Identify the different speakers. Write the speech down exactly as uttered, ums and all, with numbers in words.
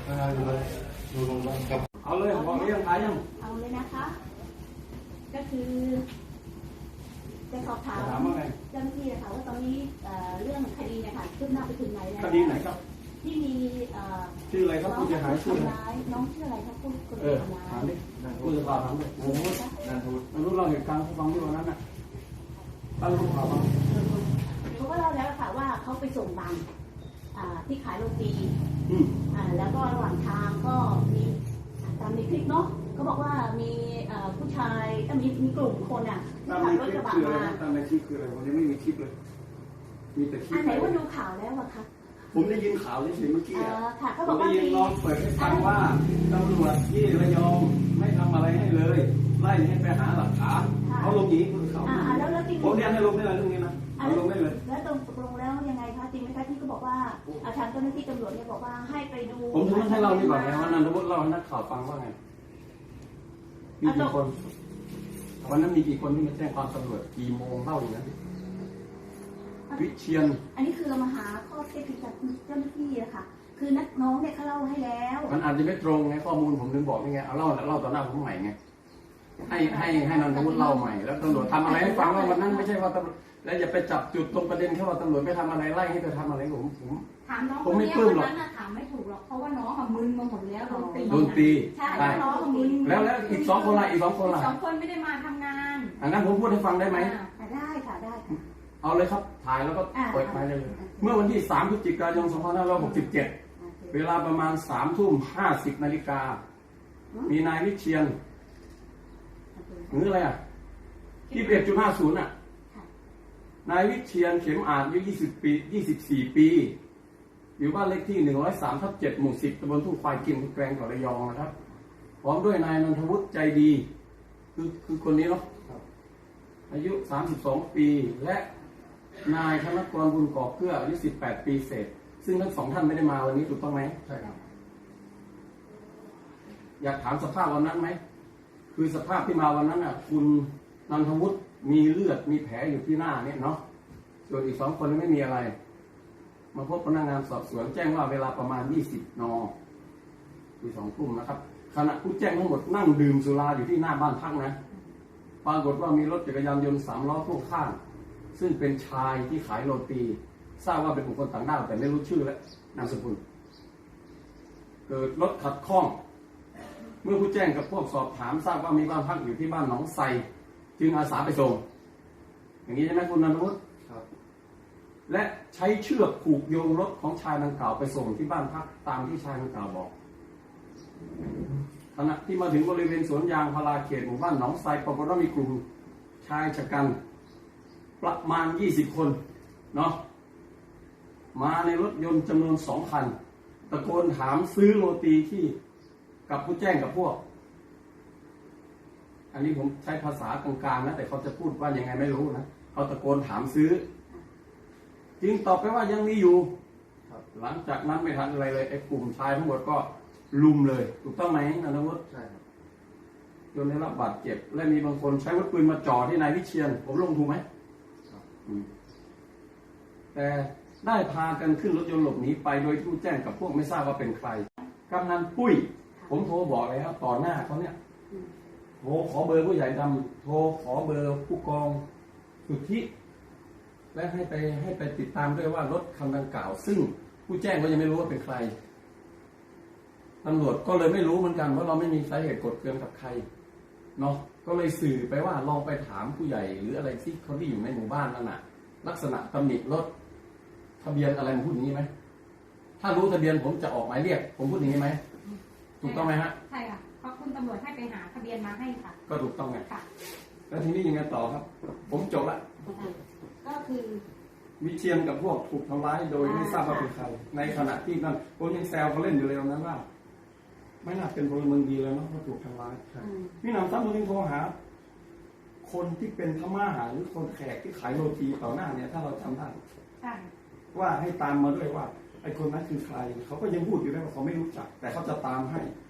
Speaker 1: ดูลงบ้างครับเอาเลยบอกเรื่องขายยัง
Speaker 2: เอาเลยนะคะก็คือจะสอบถามเจ้าหน้าที่นะคะว่าตอนนี้เรื่องคดีเนี่ยค่ะคืบหน้าไปถึงไหนแล้ว
Speaker 1: คดีไหนครับ
Speaker 2: ที่มี
Speaker 1: ชื่ออะไรครับผู้เสียหายชื่ออะไร
Speaker 2: น้องชื่ออะไรครับผู้คนทำร้าย
Speaker 1: ถามดิผู้จะถามเลยโอ้โหนันทุนนันทุนเราเหตุการณ์ฟังที่วันนั้นน่ะตั้งรูปข่าวมา
Speaker 2: เขาก็เล่าแล้วค่ะว่าเขาไปส่งบังที่ขายโรตีแล้วก็ระหว่างทางก็มีตามในคลิปเนาะเขาบอกว่ามีผู้ชายมีมีกลุ่มคนอ่ะที่ขับรถกระบะมา
Speaker 1: ตามในคลิปคืออะไรวันนี้ไม่มีคลิปเลยมีแต่คลิป
Speaker 2: อันไหนว่าดูข่าวแล้วอะคะ
Speaker 1: ผมได้ยินข่าวเฉยๆเมื่อกี้อ่ะ
Speaker 2: ผมได้
Speaker 1: ยินน้องเปิดให้ฟังว่าตำรวจที่ระยองไม่ทำอะไรให้เลยไล่ให้ไปหาหลักฐานเขาลงอย่างนี้คือเขาผมเรียนให้ลงได้เลยเรื่องนี้นะเอาลงได้เลย
Speaker 2: แล้วตรงตกลงแล้วยังไงคะจริงไหมคะที่ก็บอกว่าอาจารย์เจ้าหน้าที่ตำรวจเนี่ยบอกว่าให้ไปดู
Speaker 1: ผมถึงให้เราดีกว่าไงว่านันทวุฒิเล่าให้นักข่าวฟังว่าไงมีกี่คนวันนั้นมีกี่คนที่มาแจ้งความตำรวจกี่โมงเล่าอย่างนั้นวิเชียน
Speaker 2: อันนี้คือเรามาหาข้อเท็จจริงจากเจ้าหน้าที่อะค่ะคือนักน้องเนี่ยเขาเล่าให้แล้ว
Speaker 1: มันอาจจะไม่ตรงไงข้อมูลผมถึงบอกนี่ไงเอาเล่าเล่าต่อหน้าผมใหม่ไงให้ให้ให้นันทวุฒิเล่าใหม่แล้วตำรวจทำอะไรให้ฟังว่าวันนั้นไม่ใช่ว่าตำรวจแล้วอย่าไปจับจุดตรงประเด็นแค่ว่าตำรวจไม่ทำอะไรไล่ให้เธอทำอะไรผมผม
Speaker 2: ถามน้องผมไม่ปลื้มหรอกถามไม่ถูกหรอกเพราะว่าน้องมึนมาหมดแล้วโดนตี
Speaker 1: โดนตี
Speaker 2: ใช่น้องมึน
Speaker 1: แล้วแล้วอีกสองคนละอีกสองคนละ
Speaker 2: สองคนไม่ได้มาทำงาน
Speaker 1: อันนั้นผมพูดให้ฟังได้ไหม
Speaker 2: ได้ค่ะได้
Speaker 1: เอาเลยครับถ่ายแล้วก็เปิดไปเลยเมื่อวันที่สามพฤศจิกายนสองพันห้าร้อยหกสิบเจ็ดเวลาประมาณสามทุ่มห้าสิบนาฬิกามีนายวิเชียนหรืออะไรอ่ะยี่สิบเอ็ดจุดห้าศูนย์อ่ะนายวิเชียนเข็มอาจอายุยี่สิบปียี่สิบสี่ปีอยู่บ้านเลขที่หนึ่งร้อยสามทับเจ็ดหมู่สิบตำบลทุ่งควายกินแกลงจังหวัดระยองนะครับพร้อมด้วยนายนนทวุฒิใจดีคือคือคนนี้เนาะอายุสามสิบสองปีและนายธนกรบุญกอบเกื้ออายุสิบแปดปีเศษซึ่งทั้งสองท่านไม่ได้มาวันนี้ถูกต้องไหมใช่ครับอยากถามสภาพวันนั้นไหมคือสภาพที่มาวันนั้นอ่ะคุณนันทวุฒิมีเลือดมีแผลอยู่ที่หน้าเนี่ยเนาะส่วนอีกสองคนไม่มีอะไรมาพบพนักงานสอบสวนแจ้งว่าเวลาประมาณยี่สิบนคือสองทุ่มนะครับขณะผู้แจ้งทั้งหมดนั่งดื่มสุราอยู่ที่หน้าบ้านพักนะปรากฏว่ามีรถจักรยานยนต์สามล้อพ่วงข้างซึ่งเป็นชายที่ขายโรตีทราบว่าเป็นบุคคลต่างด้าวแต่ไม่รู้ชื่อและนามสกุลเกิดรถขัดข้องเมื่อผู้แจ้งกับพวกสอบถามทราบว่ามีบ้านพักอยู่ที่บ้านหนองไทรจึงอาสาไปส่งอย่างนี้ใช่ไหมคุณนันทวุฒิครับและใช้เชือกผูกโยงรถของชายดังกล่าวไปส่งที่บ้านพักตามที่ชายดังกล่าวบอกขณะที่มาถึงบริเวณสวนยางพาราเขตหมู่บ้านหนองไทรปรากฏว่ามีกลุ่มชายชะกันประมาณยี่สิบคนเนาะมาในรถยนต์จำนวนสองคันตะโกนถามซื้อโรตีที่กับผู้แจ้งกับพวกอันนี้ผมใช้ภาษากลางๆนะแต่เขาจะพูดว่ายังไงไม่รู้นะเขาตะโกนถามซื้อจึงตอบไปว่ายังมีอยู่หลังจากนั้นไม่ทันอะไรเลยไอ้กลุ่มชายทั้งหมดก็ลุมเลยถูกต้องไหมนันทวุฒิใช่ครับจนได้รับบาดเจ็บและมีบางคนใช้อาวุธปืนมาจ่อที่นายวิเชียนผมลงถูกไหมแต่ได้พากันขึ้นรถยนต์หลบหนีไปโดยผู้แจ้งกับพวกไม่ทราบว่าเป็นใครกำนันปุ้ยผมโทรบอกเลยครับต่อหน้าเขาเนี่ยโทรขอเบอร์ผู้ใหญ่ดำโทรขอเบอร์ผู้กองสุทธิและให้ไปให้ไปติดตามด้วยว่ารถคันดังกล่าวซึ่งผู้แจ้งก็ยังไม่รู้ว่าเป็นใครตำรวจก็เลยไม่รู้เหมือนกันเพราะเราไม่มีสาเหตุกดเกลื่อนกับใครเนาะก็เลยสื่อไปว่าลองไปถามผู้ใหญ่หรืออะไรที่เขาที่อยู่ในหมู่บ้านนั่นน่ะลักษณะตำหนิรถทะเบียนอะไรผมพูดอย่างนี้ไหมถ้ารู้ทะเบียนผมจะออกหมายเรียกผมพูดอย่างนี้ไหมถูกต้องไหมฮะ
Speaker 2: ใช่ค่ะเพราะคุณตำรวจให้ไปหาทะเบียนมาให้ค่ะ
Speaker 1: ก็ถูกต้องไงค่ะแล้วทีนี้ยังไงต่อครับผมจบละ
Speaker 2: ก็คือ
Speaker 1: วิเชียนกับพวกถูกทำร้ายโดยไม่ทราบว่าเป็นใครในขณะที่นั่นผมยังแซวเขาเล่นอยู่เลยนั้นว่าไม่น่าเป็นพลเมืองดีเลยเนาะว่าถูกทำร้ายพี่นำซ้ำตัวนี้โทรหาคนที่เป็นพม่าหรือคนแขกที่ขายโรตีต่อหน้าเนี่ยถ้าเราจำได้ว่าให้ตามมาด้วยว่าไอ้คนนั้นคือใครเขาก็ยังพูดอยู่ได้ว่าเขาไม่รู้จักแต่เขาจะตามให้